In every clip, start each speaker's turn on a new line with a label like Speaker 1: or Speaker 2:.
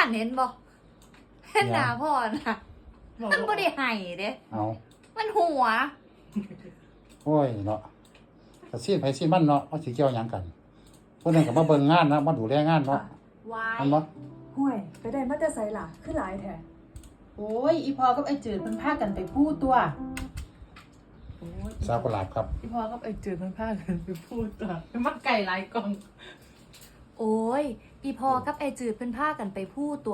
Speaker 1: นเห็นบ่เห็นหน้าพ่อน่ะมันบ่ได้ให้เด้
Speaker 2: เอา
Speaker 1: มันหัว
Speaker 2: โอ้ยเนาะก็ซีนไผซีนมันเนาะเอาสิเกี่ยวหยังกันผู้นึงก็มาเบิ่งงานนะมาดูแลงานเนาะ
Speaker 1: วาย
Speaker 2: อันบ่
Speaker 3: ห่วยไปได้มาแต่ไสล่ะคือหลายแท้
Speaker 4: โอ้ยอีพอกับไอ้จืดเพิ่นพากันไปพูดตัวโอ้ย
Speaker 2: สาวกุหลาบครับ
Speaker 4: อีพอกับไอ้จืดเพิ่นพากันไปพูดตัวมักไก่หลายกล่อง
Speaker 1: โอ้ยอีพอกับไอจืดเพิ่นพากันไปพูดตัว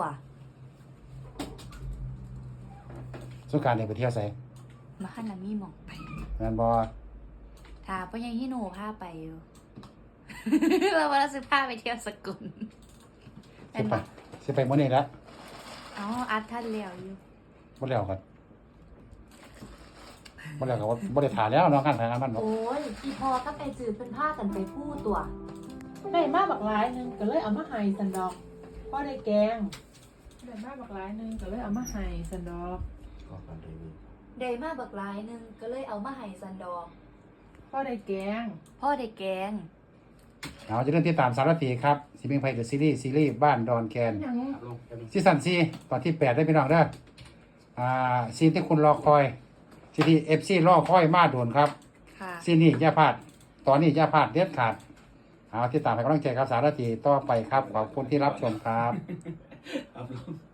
Speaker 2: สงกรานต์นี่ไปเที่ยวไส
Speaker 1: มาคันน่ะมีหม่องไป
Speaker 2: แม่นบ่
Speaker 1: ถ้าพ่อใหญ่ฮิโนพาไปอยู่ เราว่าเราสิพาไปเที่ยวสกุล
Speaker 2: สิไปสิไปมื้อนี้ละ
Speaker 1: อ๋ออัดท่านแล้วอยู่
Speaker 2: บ่แล้วก็บ่แล้วก็บ่ได้ถ่าแล้วเนาะงานถ่ายงานมันเนาะ
Speaker 1: โอ้ยอีพอกับไอจืดเพิ่นพากันไปพูดตัว
Speaker 4: ได้มาบักหลายหนึงก็เลยเอามาให้สันดอกพ่อได้แกงได้มาบักหลายหนึงก็เลยเอามาให้สันดอก
Speaker 1: ได้มาบักหลายหนึงก็เลยเอามาให้ซันดอก
Speaker 4: พ่อได้แกง
Speaker 1: พ่อได้แกง
Speaker 2: เอาจะเริ่มติดตามสารตีครับสิเมงไผเดอะซีรีส์บ้านดอนแคน
Speaker 4: ยัง
Speaker 2: ซีซั่น4ตอนที่8ได้พี่น้องเด้อซีนที่คุณรอคอยซีที่ FC รอคอยมาโดนครับ
Speaker 1: ค่ะ
Speaker 2: ซีนนี้อย่าพลาดตอนนี้อย่าพลาดเด็ดขาดเอาติดตามให้กำลังใจครับสารตีต่อไปครับขอบคุณที่รับชมครับ
Speaker 5: ครับ